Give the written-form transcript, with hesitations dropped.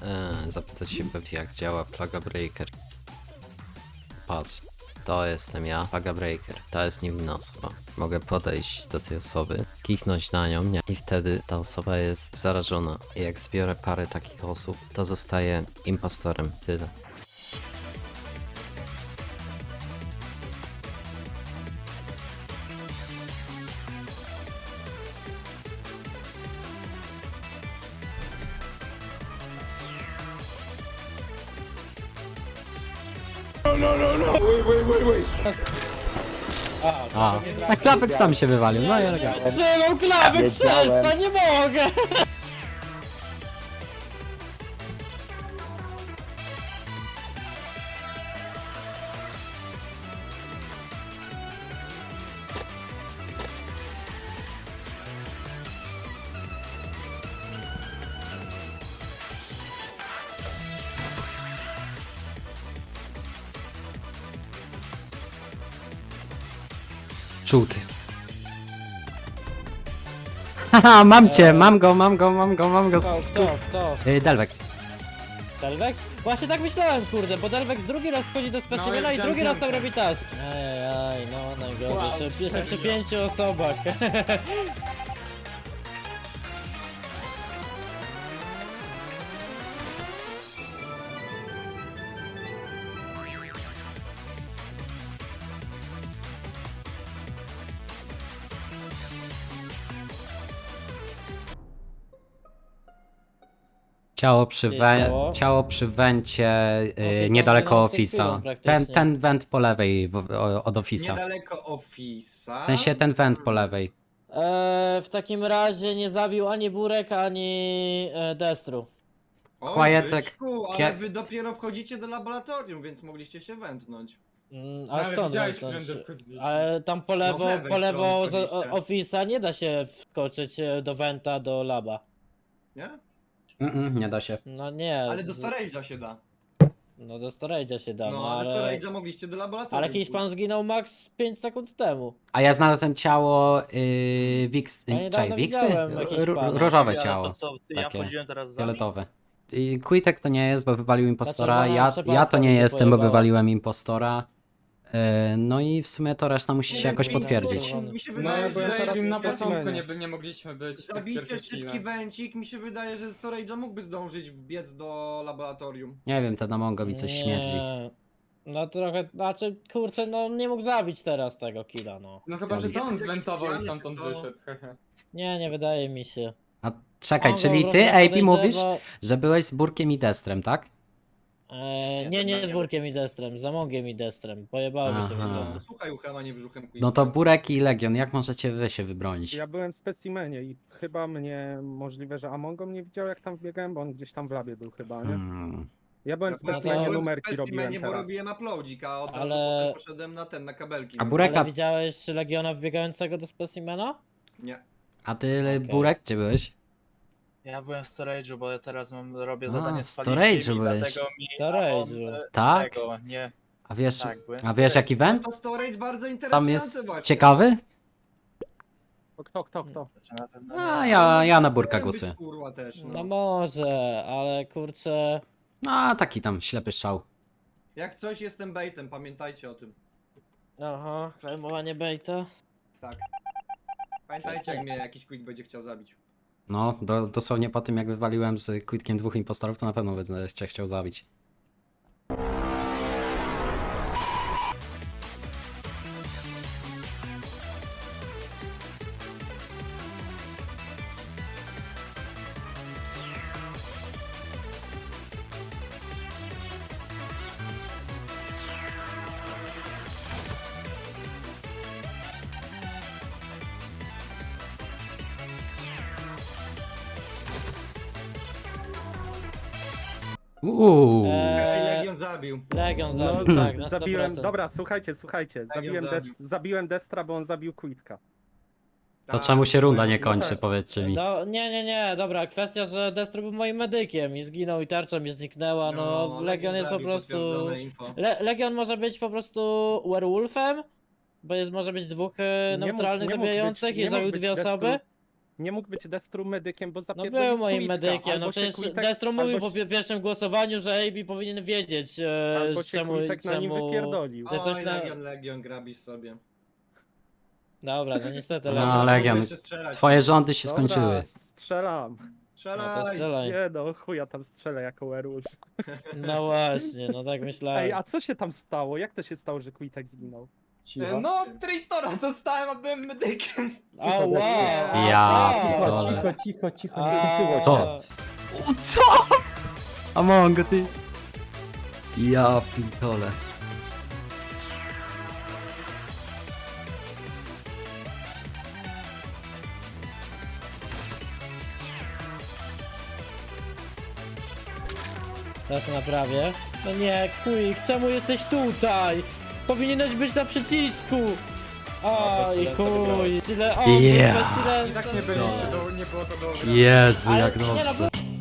Zapytać się pewnie jak działa Plaga Breaker. Patrz, to jestem ja, Plaga Breaker, to jest niewinna osoba. Mogę podejść do tej osoby, kichnąć na nią, nie? I wtedy ta osoba jest zarażona. I jak zbiorę parę takich osób, to zostaję impostorem. Tyle. A, a klapek sam się wywalił, no i elegancko. Trzymam klapek, przestań, nie mogę! Żółty. Haha, mam cię, mam go. Kto? Delvex. Delvex? Właśnie tak myślałem, kurde, bo Delvex drugi raz wchodzi do specimena i drugi raz tam robi task. Ej, no najgorzej, jeszcze przy 5 osobach. Ciało przy wencie niedaleko no, ofisa. cytują praktycznie. Ten went po lewej od ofisa. Niedaleko ofisa. W sensie ten went po lewej. W takim razie nie zabił ani Burek, ani Destru. O, Quietek, byczku, ale kie- wy dopiero wchodzicie do laboratorium, więc mogliście się wędnąć. A Ale skąd widziałeś, wędrznąć? którędy wchodziliśmy. Ale tam po No lewo, z lewej po lewo strony z wchodziliście. ofisa nie da się wskoczyć do Venta, do laba. Nie? Nie da się. No nie. Ale do storage'a się da. No do storage'a się da, No, a ze ale... storage'a mogliście do laboratorium. Ale jakiś pan zginął max 5 sekund temu. A ja znalazłem ciało Wix. Ja niedawno Wiksy? widziałem jakiś pana. Różowe Ja, ciało. to co, ja takie wchodziłem teraz z wami? Fioletowe. I Quitek to nie jest, bo wywalił impostora. Znaczy, Ja Sebastian to nie się jestem, bo pojebała. wywaliłem impostora. No i w sumie to reszta musi się Nie, jakoś mi- potwierdzić. Mi się No wydaje, ja byłem że teraz na teraz początku, nie mogliśmy być w tych Zabijcie pierwszych szybki chwilach. węcik, mi się wydaje, że z storage'a mógłby zdążyć wbiec do laboratorium. Nie wiem, ten Amongo mi coś śmierdzi. No trochę, znaczy kurczę, no nie mógł zabić teraz tego killa, no. No chyba, że to on Jakiś zwentował i pijany, stamtąd czy co? wyszedł, hehe. Nie wydaje mi się. A czekaj, On czyli po ty, prostu AP, podejrzewa- mówisz, że byłeś z Burkiem i Destrem, tak? Nie z Burkiem i Destrem, z Amongiem i Destrem. Pojebało mi się po Aha. prostu. Słuchaj uchama, nie brzuchem No to Burek i Legion, jak możecie wy się wybronić? Ja byłem w specimenie i chyba mnie, możliwe, że Amongo mnie widział jak tam wbiegałem, bo on gdzieś tam w labie był chyba, nie? Ja byłem w specimenie, to- numerki robiłem bo teraz. robiłem uploadzik, a od razu Ale- potem poszedłem na kabelki. A Burek- Ale widziałeś Legiona wbiegającego do specimena? Nie. A ty, Okej. Burek, gdzie byłeś? Ja byłem w storage'u, bo ja teraz robię A, zadanie w z storage'u paliwkiem i byłeś. dlatego mi Storage'u. Tak? Tego, nie, A wiesz, tak, byłem w a wiesz jaki No went? to storage bardzo Tam interesujący jest właśnie. ciekawy? Kto? Na pewno nie. A ja na Burka Chciałem być, głosuję. Kurwa też, No no. może, ale kurczę... A taki tam ślepy strzał. Jak coś jestem baitem, pamiętajcie o tym. Aha, klejmowanie baita. Tak. Pamiętajcie jak mnie jakiś quick będzie chciał zabić. No, dosłownie po tym jak wywaliłem z Quitkiem 2 impostorów, to na pewno będę cię chciał zabić. Legion zabił. Legion No, zabił, tak, na 100%. zabiłem, dobra, słuchajcie, Legion zabił. zabiłem Destra, bo on zabił Quitka. To Tak, czemu się runda nie no kończy, tak. powiedzcie mi. Nie, dobra, kwestia, że Destro był moim medykiem i zginął i tarcza mi zniknęła, no, Legion jest po zabił, prostu... potwierdzone info. Legion może być po prostu werewolfem, bo może być dwóch neutralnych nie mógł zabijających być- i nie zabił mógł być dwie Destru. osoby. nie mógł być Destru medykiem, bo No zapierdolił był moim Quitka, medykiem, no albo się przecież Quitek- Destro mówił albo po pierwszym głosowaniu, że AB powinien wiedzieć, Albo się czemu... Quitek na nim czemu... wypierdolił. To jest coś Oj, na- Legion, grabisz sobie. Dobra, no niestety, No, Legion. Legion. Jeszcze strzelać. Twoje rządy się Dobra, skończyły. strzelam. No to Strzelaj! strzelaj. Nie no, chuja tam strzelę jako werewolf. No właśnie, no tak myślałem. Ej, a co się tam stało? Jak to się stało, że Quitek zginął? No, Traitora dostałem, a byłem medykiem. O, wow! Ja o, pitole. Cicho, a, nie skończyło się. Co? Co? Amongo, ty. Ja pitole. Teraz naprawię. No nie, Quick, czemu jesteś tutaj? Powinieneś być na przycisku! Oj, chuj, tyle, o, Yeah. tyle, I tak nie byliście, nie było to dobre. Jezu, Ale jak nie, no, dobrze.